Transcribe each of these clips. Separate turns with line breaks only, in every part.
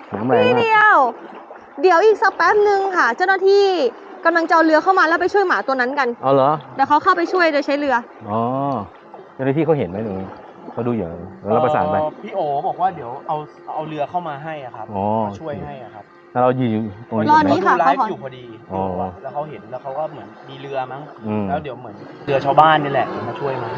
น้ำแรงมาก
เดี๋ยวอีกสักแป๊บนึงค่ะ เจ้าหน้าที่กำลังจะเอาเรือเข้ามาแล้วไปช่วยหมาตัวนั้นกัน
เอาเหรอ
เดี๋ยวเขาเข้าไปช่วยโดยใช้เรือ
อ๋อเจ้าหน้าที่เขาเห็นไหมหนูเขาดูอยู่แล้วเราประสานไป
พี่โอบอกว่าเดี๋ยวเอาเรือเข้ามาให้อ่ะครับมาช่วยให้อ่ะครับ
แล้วเรายืนตรงนี้
รอนี้ค่ะ
ไลฟ์อยู่พอดีแล้วเขาเห็นแล้วเขาก็เหมือนมีเรือมั้งแล้วเดี๋ยวเหมือนเรือชาวบ้านนี่แหละมาช่วยมา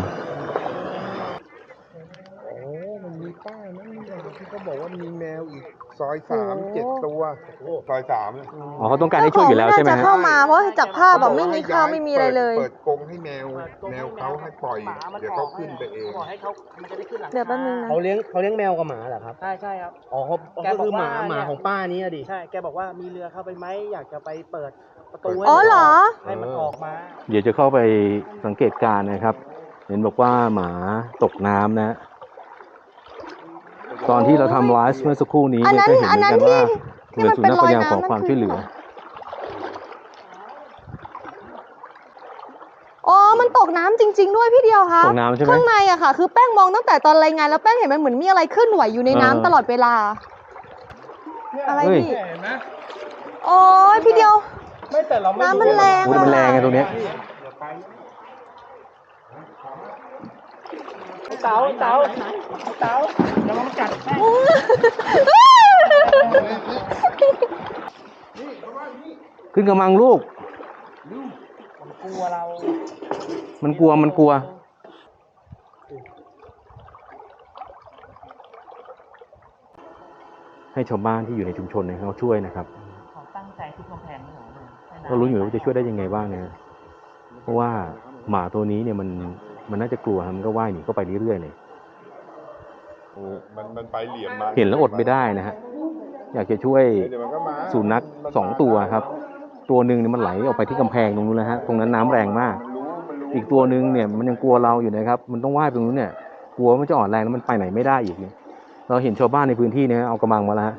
มันมีป้ายนะที่เขาบอกว่ามีแมวอีกซอย3 7 ตัวซอย3เลย
อ๋อเขาต้องการให้ช่วยอยู่แล้วใช่ไหมฮะ
เข้ามาเพราะจากภาพแบบไม่มีข้าวไม่มีอะไรเลย
เปิดกรงให้แมวเขาให้ปล่อยเดี๋ยวเขาขึ้นไปเอง
ให้เขามันจะได้ขึ้นหลัง
เดี๋ยวแป๊บนึงนะ
เขาเลี้ยงแมวกับหมาเหรอครับใช่ครับอ๋อก็คือหมาของป้านี้ดิใช่แกบอกว่ามีเรือเข้าไปไหมอยากจะไปเปิดประตูให้มันออกมา
เดี๋ยวจะเข้าไปสังเกตการณ์นะครับเห็นบอกว่าหมาตกน้ำนะตอนที่เราทำไลฟ์เมื่อสักครู่นี้เนี่ยก็เห็นเหมือนกันว่าหน่วยสุนัขพยายามขอความช่วยเหลือ
อ๋อมันตกน้ำจริงๆด้วยพี่เดียวค่ะ
ตกน้ำใช่ไหม
ข้างในอะค่ะคือแป้งมองตั้งแต่ตอนรายงานแล้วแป้งเห็นมันเหมือนมีอะไรเคลื่อนไหวอยู่ในน้ำตลอดเวลาอะไรพี่โอ้ยพี่เดียวน้ำมันแรง
มันแรงไงตรงนี้
เต๋าระวังกัด
ขึ้นกระมังลูก
มันกลัวเรา
มันกลัวให้ชาวบ้านที่อยู่ในชุมชนเนี่ยเขาช่วยนะครับ
เขาตั้งใจทุบกำแพงไม่หรอ
ก็รู้อยู่ว่าจะช่วยได้ยังไงบ้างเนี่ยเพราะว่าหมาตัวนี้เนี่ยมันน่าจะกลัวมันก็ว่ายหนีเข้าไปเรื่อยๆเลย
มันไปเหลี่ยมมา
เห็นแล้วอดไม่ได้นะฮะอยากจะช่วยสุนัข2 ตัวครับตัวหนึ่งเนี่ยมันไหลออกไปที่กำแพงตรงนู้นนะฮะตรงนั้นน้ำแรงมากอีกตัวหนึ่งเนี่ยมันยังกลัวเราอยู่นะครับมันต้องว่ายตรงนู้นเนี่ยกลัวมันจะอ่อนแรงแล้วมันไปไหนไม่ได้อีกเนี่ยเราเห็นชาวบ้านในพื้นที่เนี่ยเอากระมังมาแล้ว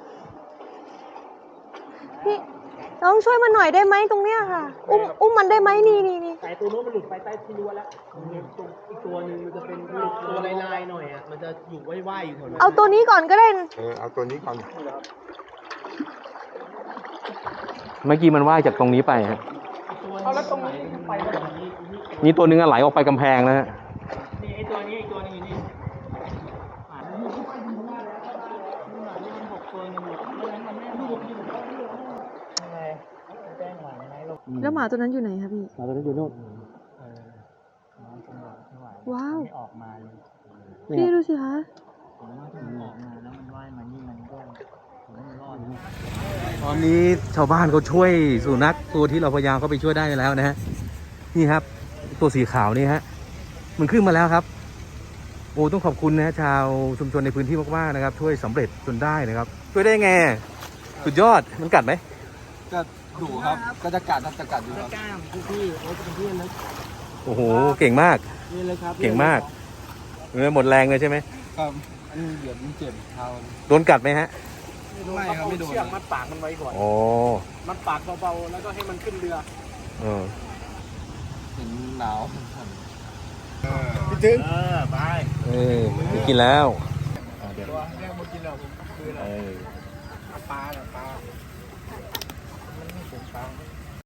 พี่น้องช่วยมันหน่อยได้ไหมตรงเนี้ยค่ะอุ้มมันได้ไหมนี่
แต่ตัวนู้นมันหลุดไปใต้ที่รั้วแล้วอีกตัวนึงมันจะเป็นตัวลายหน่อยอ่ะมันจะอยู่ว่ายๆอยู่แถวนั้น
เอาตัวนี้ก่อนก็ได้
เอาตัวนี้ก่อน
เมื่อกี้มันว่ายจากตรงนี้ไปฮะ
แล้วตรงนี้ไป
นี่ตัวนึงไหลออกไปกำแพงแล้วฮะ
นี่ไอตัวนี้อีกตัวนึงอยู่นี่
แล้วหมาตัวนั้นอยู่ไหนครับพี่
หมาตัวนั้นอยู่โน่น
ว้าว
ออกมาเลย
พี่ดูสิคะ
ผมว่าถ้ามันออกมาแล้วมันว่ายมานี่มันก็ไม่รอด
ตอนนี้ชาวบ้านเขาช่วยสุนัขตัวที่เราพยายามเข้าไปช่วยได้แล้วนะฮะนี่ครับตัวสีขาวนี่ฮะมันขึ้นมาแล้วครับโอ้ต้องขอบคุณนะชาวชุมชนในพื้นที่มากๆนะครับช่วยสำเร็จจนได้นะครับช่วยได้ไงสุดยอดมันกัดไหม
ก็ดุครับก็จะกัดอยู่ครับ
กล้ามพี่เขาจะเป็นเพื่อนนะ
โอ้โหเก่งมากเก่งมากหมดแรงเลยใช่ไหม
ครับเดี๋ยวมันเจ็บเท้า
โดนกัดไหมฮะ
ไม่ครับไม่โดน
เชือกมัดปากมันไว้ก่อนมัดปากเบาๆแล้วก็ให้มันขึ้นเรือ
เห็นหนาว
พี่ถึงไป
ไม่กินแล้ว
ตัวแรกหมดกินแล้วคืออะไรปลามันไม่ถึงปลา